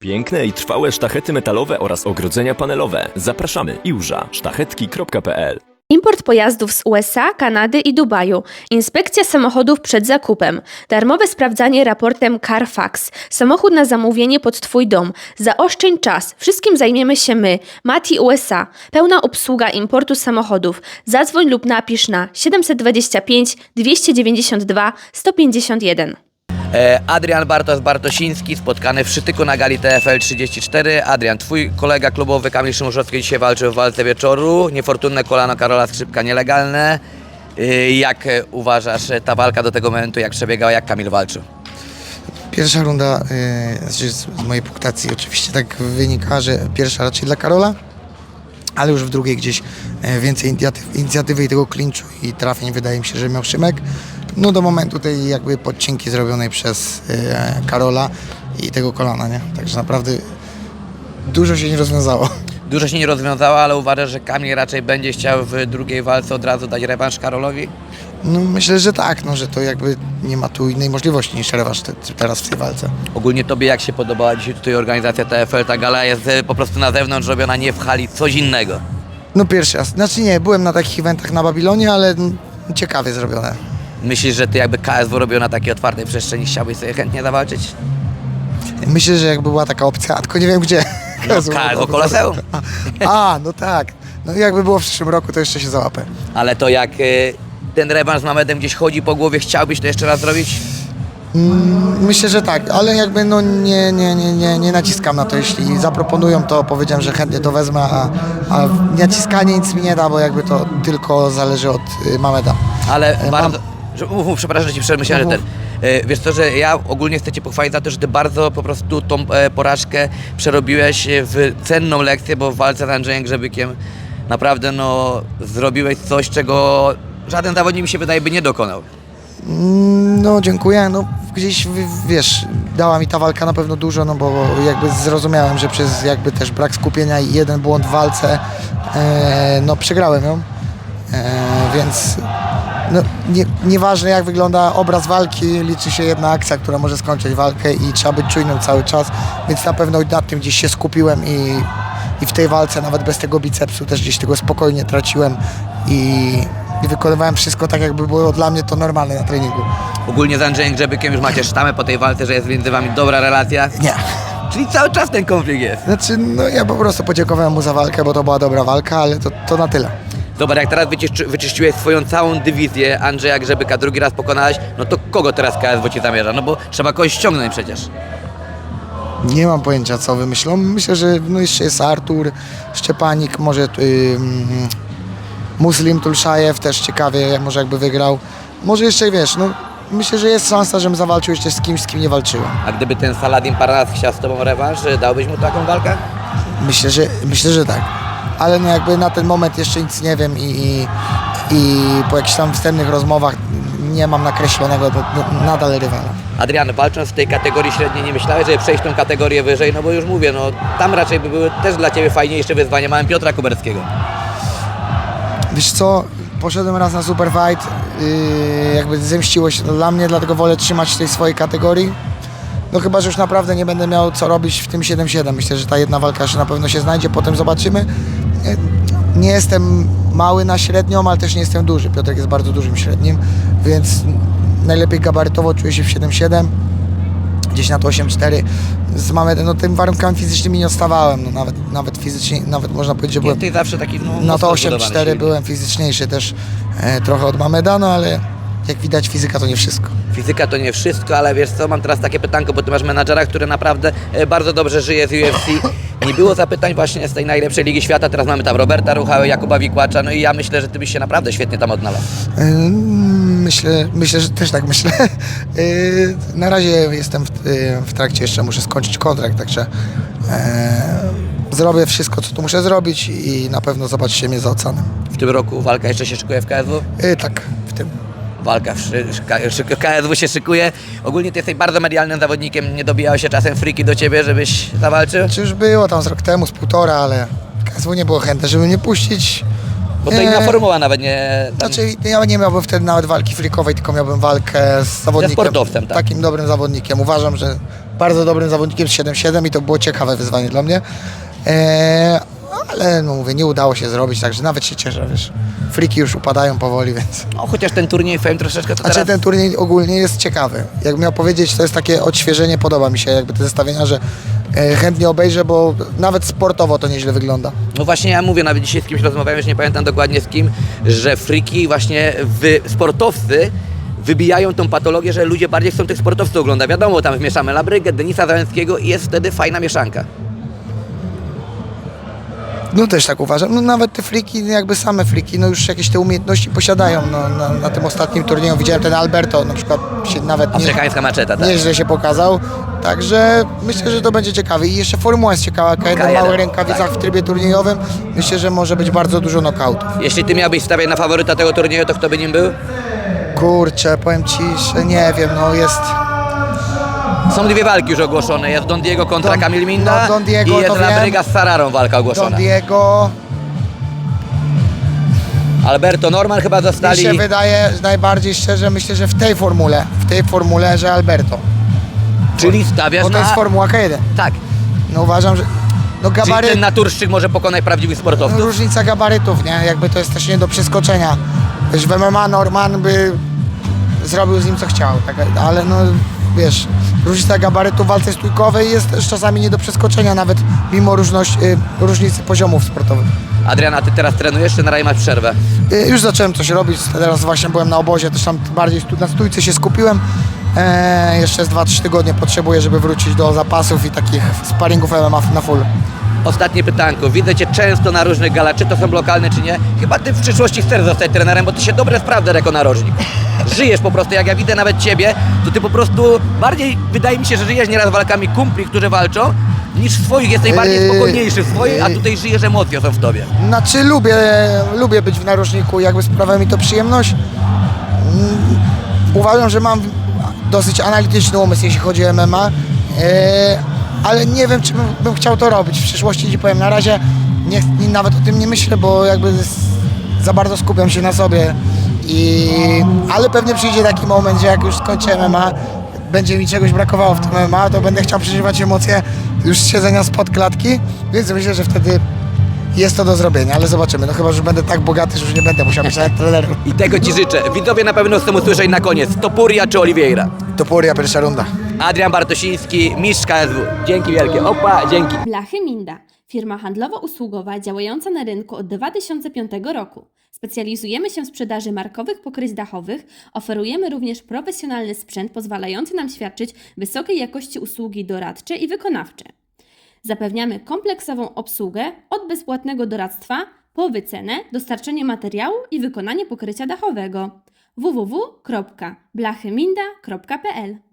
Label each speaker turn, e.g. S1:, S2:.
S1: Piękne i trwałe sztachety metalowe oraz ogrodzenia panelowe. Zapraszamy. iłża sztachetki.pl.
S2: Import pojazdów z USA, Kanady i Dubaju. Inspekcja samochodów przed zakupem. Darmowe sprawdzanie raportem Carfax. Samochód na zamówienie pod Twój dom. Zaoszczędź czas. Wszystkim zajmiemy się my. Mati USA. Pełna obsługa importu samochodów. Zadzwoń lub napisz na 725 292 151.
S3: Adrian Bartosiński, spotkany w Szytyku na gali TFL 34. Adrian, twój kolega klubowy Kamil Szymuszowski dzisiaj walczył w walce wieczoru. Niefortunne kolano Karola Skrzypka nielegalne. Jak uważasz ta walka do tego momentu, jak przebiegała, jak Kamil walczył?
S4: Pierwsza runda, z mojej punktacji oczywiście tak wynika, że pierwsza raczej dla Karola, ale już w drugiej gdzieś więcej inicjatywy i tego klinczu i trafień wydaje mi się, że miał Szymek. No do momentu tej jakby podcinki zrobionej przez Karola i tego kolana, nie? Także naprawdę dużo się nie rozwiązało.
S3: Dużo się nie rozwiązało, ale uważasz, że Kamil raczej będzie chciał w drugiej walce od razu dać rewanż Karolowi?
S4: No myślę, że tak, no, że to jakby nie ma tu innej możliwości niż rewanż teraz w tej walce.
S3: Ogólnie tobie jak się podobała dzisiaj tutaj organizacja TFL? Ta gala jest po prostu na zewnątrz robiona, nie w hali, coś innego.
S4: No pierwszy raz, znaczy nie, byłem na takich eventach na Babilonie, ale ciekawie zrobione.
S3: Myślisz, że ty jakby KSW robił na takiej otwartej przestrzeni, chciałbyś sobie chętnie zawalczyć?
S4: Myślę, że jakby była taka opcja, tylko nie wiem gdzie.
S3: No, KSW Koloseum.
S4: No tak. No jakby było w przyszłym roku, to jeszcze się załapę.
S3: Ale to jak ten rewanż z Mamedem gdzieś chodzi po głowie, chciałbyś to jeszcze raz zrobić?
S4: Myślę, że tak, ale jakby no nie naciskam na to. Jeśli zaproponują, to powiedziałem, że chętnie to wezmę, a naciskanie nic mi nie da, bo jakby to tylko zależy od Mameda.
S3: Ale bardzo... Przepraszam, że ci przemyślałem, że ten... Wiesz co, że ja ogólnie chcę cię pochwalić za to, że ty bardzo po prostu tą porażkę przerobiłeś w cenną lekcję, bo w walce z Andrzejem Grzebykiem naprawdę no zrobiłeś coś, czego żaden zawodnik mi się wydaje by nie dokonał.
S4: No dziękuję, no gdzieś wiesz, dała mi ta walka na pewno dużo, no bo jakby zrozumiałem, że przez jakby też brak skupienia i jeden błąd w walce, no przegrałem ją, więc no, nieważne jak wygląda obraz walki, liczy się jedna akcja, która może skończyć walkę i trzeba być czujnym cały czas, więc na pewno nad tym gdzieś się skupiłem i w tej walce nawet bez tego bicepsu też gdzieś tego spokojnie traciłem i wykonywałem wszystko tak, jakby było dla mnie to normalne na treningu.
S3: Ogólnie z Andrzejem Grzebykiem już macie sztamę po tej walce, że jest między wami dobra relacja?
S4: Nie.
S3: Czyli cały czas ten konflikt jest?
S4: Znaczy, no ja po prostu podziękowałem mu za walkę, bo to była dobra walka, ale to na tyle.
S3: Zobacz, jak teraz wyczyściłeś swoją całą dywizję Andrzeja Grzebyka, drugi raz pokonałeś, no to kogo teraz KSW ci zamierza? No bo trzeba kogoś ściągnąć przecież.
S4: Nie mam pojęcia, co wymyślą. Myślę, że no jeszcze jest Artur, Szczepanik, może Muslim Tulszajew też ciekawie, może jakby wygrał. Może jeszcze, wiesz, no myślę, że jest szansa, żebym zawalczył jeszcze z kimś, z kim nie walczyłem.
S3: A gdyby ten Saladin Parnas chciał z tobą rewanż, dałbyś mu taką walkę?
S4: Myślę, że tak. Ale no jakby na ten moment jeszcze nic nie wiem i po jakichś tam wstępnych rozmowach nie mam nakreślonego nadal rywala.
S3: Adrian, walcząc w tej kategorii średniej, nie myślałeś, żeby przejść tą kategorię wyżej? No bo już mówię, no tam raczej by były też dla ciebie fajniejsze wyzwania. Mamy Piotra Kuberskiego.
S4: Wiesz co, poszedłem raz na Super Fight, jakby zemściło się to dla mnie, dlatego wolę trzymać w tej swojej kategorii. No chyba, że już naprawdę nie będę miał co robić w tym 7-7. Myślę, że ta jedna walka się na pewno się znajdzie, potem zobaczymy. Nie jestem mały na średnią, ale też nie jestem duży. Piotrek jest bardzo dużym średnim, więc najlepiej gabarytowo czuję się w 7-7. Gdzieś na to 8-4. Z Mamedem, no tym warunkami fizycznymi nie odstawałem, no nawet fizycznie, nawet można powiedzieć, że byłem...
S3: Ty zawsze taki
S4: No to 8-4 byłem fizyczniejszy też trochę od Mameda, no ale jak widać fizyka to nie wszystko.
S3: Fizyka to nie wszystko, ale wiesz co, mam teraz takie pytanko, bo ty masz menadżera, który naprawdę bardzo dobrze żyje z UFC. Nie było zapytań właśnie z tej najlepszej ligi świata, teraz mamy tam Roberta Ruchałę, Jakuba Wikłacza, no i ja myślę, że ty byś się naprawdę świetnie tam odnalazł.
S4: Myślę, że też tak myślę. Na razie jestem w trakcie, jeszcze muszę skończyć kontrakt, także zrobię wszystko, co tu muszę zrobić i na pewno zobaczycie mnie za oceanem.
S3: W tym roku walka jeszcze się szykuje w KSW?
S4: Tak, w tym.
S3: Walka w KSW się szykuje. Ogólnie ty jesteś bardzo medialnym zawodnikiem, nie dobijało się czasem friki do ciebie, żebyś zawalczył?
S4: Czy już było tam z rok temu, z półtora, ale KSW nie było chętne, żeby mnie puścić.
S3: Bo to inna formuła nawet nie...
S4: Znaczy ja nie miałbym wtedy nawet walki frikowej, tylko miałbym walkę z zawodnikiem.
S3: Ze sportowcem, tak.
S4: Takim dobrym zawodnikiem. Uważam, że bardzo dobrym zawodnikiem z 7-7 i to było ciekawe wyzwanie dla mnie. Ale no mówię, nie udało się zrobić, także nawet się cieszę, wiesz. Friki już upadają powoli, więc...
S3: No, chociaż ten turniej Fame troszeczkę to
S4: Znaczy
S3: teraz...
S4: ten turniej ogólnie jest ciekawy. Jak miał powiedzieć, to jest takie odświeżenie, podoba mi się jakby te zestawienia, że chętnie obejrzę, bo nawet sportowo to nieźle wygląda.
S3: No właśnie ja mówię, nawet dzisiaj z kimś rozmawiałem, już nie pamiętam dokładnie z kim, że friki właśnie sportowcy wybijają tą patologię, że ludzie bardziej chcą tych sportowców oglądać. Wiadomo, tam wmieszamy Labrygę, Denisa Załęckiego i jest wtedy fajna mieszanka.
S4: No też tak uważam. No nawet te friki, jakby same friki, no już jakieś te umiejętności posiadają. No, na tym ostatnim turnieju widziałem ten Alberto, na przykład się nawet
S3: Afrykańska maczeta, tak.
S4: nieźle się pokazał. Także myślę, że to będzie ciekawe. I jeszcze Formuła jest ciekawa, K1 w
S3: K1,
S4: małych rękawicach
S3: tak.
S4: w trybie turniejowym. Myślę, że może być bardzo dużo knokautów.
S3: Jeśli ty miałbyś stawiać na faworyta tego turnieju, to kto by nim był?
S4: Kurczę, powiem Ci, że nie wiem, no jest...
S3: Są dwie walki już ogłoszone. Jest Don Diego kontra
S4: Don-
S3: Kamil Minda
S4: no, Don Diego
S3: i jest
S4: to wiem.
S3: Labryga z Sararą walka ogłoszona.
S4: Don Diego...
S3: Alberto Norman chyba
S4: Mi
S3: zostali.
S4: się wydaje, że najbardziej szczerze, myślę, że w tej formule, że Alberto.
S3: Czyli stawiasz
S4: Bo to jest
S3: na...
S4: Formuła K1.
S3: Tak.
S4: No uważam, że... No
S3: Czyli
S4: gabaryt...
S3: ten naturszczyk może pokonać prawdziwych sportowców.
S4: Różnica gabarytów, nie? Jakby to jest też nie do przeskoczenia. Wiesz, w MMA Norman by zrobił z nim co chciał, tak? Ale no wiesz, różnica gabarytu w walce stójkowej jest też czasami nie do przeskoczenia, nawet mimo różnicy poziomów sportowych.
S3: Adriana, ty teraz trenujesz, czy na razie masz przerwę?
S4: Już zacząłem coś robić, teraz właśnie byłem na obozie, też tam bardziej na stójce się skupiłem. Jeszcze z 2-3 tygodnie potrzebuję, żeby wrócić do zapasów i takich sparingów MMA na full.
S3: Ostatnie pytanko. Widzę cię często na różnych galach, czy to są lokalne, czy nie. Chyba ty w przyszłości chcesz zostać trenerem, bo ty się dobrze sprawdzasz jako narożnik. Żyjesz po prostu, jak ja widzę nawet ciebie, to ty po prostu bardziej, wydaje mi się, że żyjesz nieraz walkami kumpli, którzy walczą, niż swoich. Jesteś bardziej spokojniejszy w swoich, a tutaj żyjesz, emocje są w tobie.
S4: Znaczy lubię być w narożniku, jakby sprawia mi to przyjemność. Uważam, że mam dosyć analityczny umysł, jeśli chodzi o MMA, ale nie wiem, czy bym chciał to robić w przyszłości, ci powiem. Na razie nawet o tym nie myślę, bo jakby za bardzo skupiam się na sobie. Ale pewnie przyjdzie taki moment, że jak już skończę MMA, będzie mi czegoś brakowało w tym MMA, to będę chciał przeżywać emocje już z siedzenia spod klatki, więc myślę, że wtedy jest to do zrobienia, ale zobaczymy. No chyba, że będę tak bogaty, że już nie będę musiał być nawet trenerem.
S3: I tego ci życzę. Widzowie na pewno chcą usłyszeć na koniec. Topuria czy Oliveira?
S4: Topuria, pierwsza runda.
S3: Adrian Bartosiński, mistrz KSW. Dzięki wielkie. Opa, dzięki.
S2: Blachy Minda, firma handlowo-usługowa działająca na rynku od 2005 roku. Specjalizujemy się w sprzedaży markowych pokryć dachowych, oferujemy również profesjonalny sprzęt pozwalający nam świadczyć wysokiej jakości usługi doradcze i wykonawcze. Zapewniamy kompleksową obsługę od bezpłatnego doradztwa po wycenę, dostarczenie materiału i wykonanie pokrycia dachowego. www.blachyminda.pl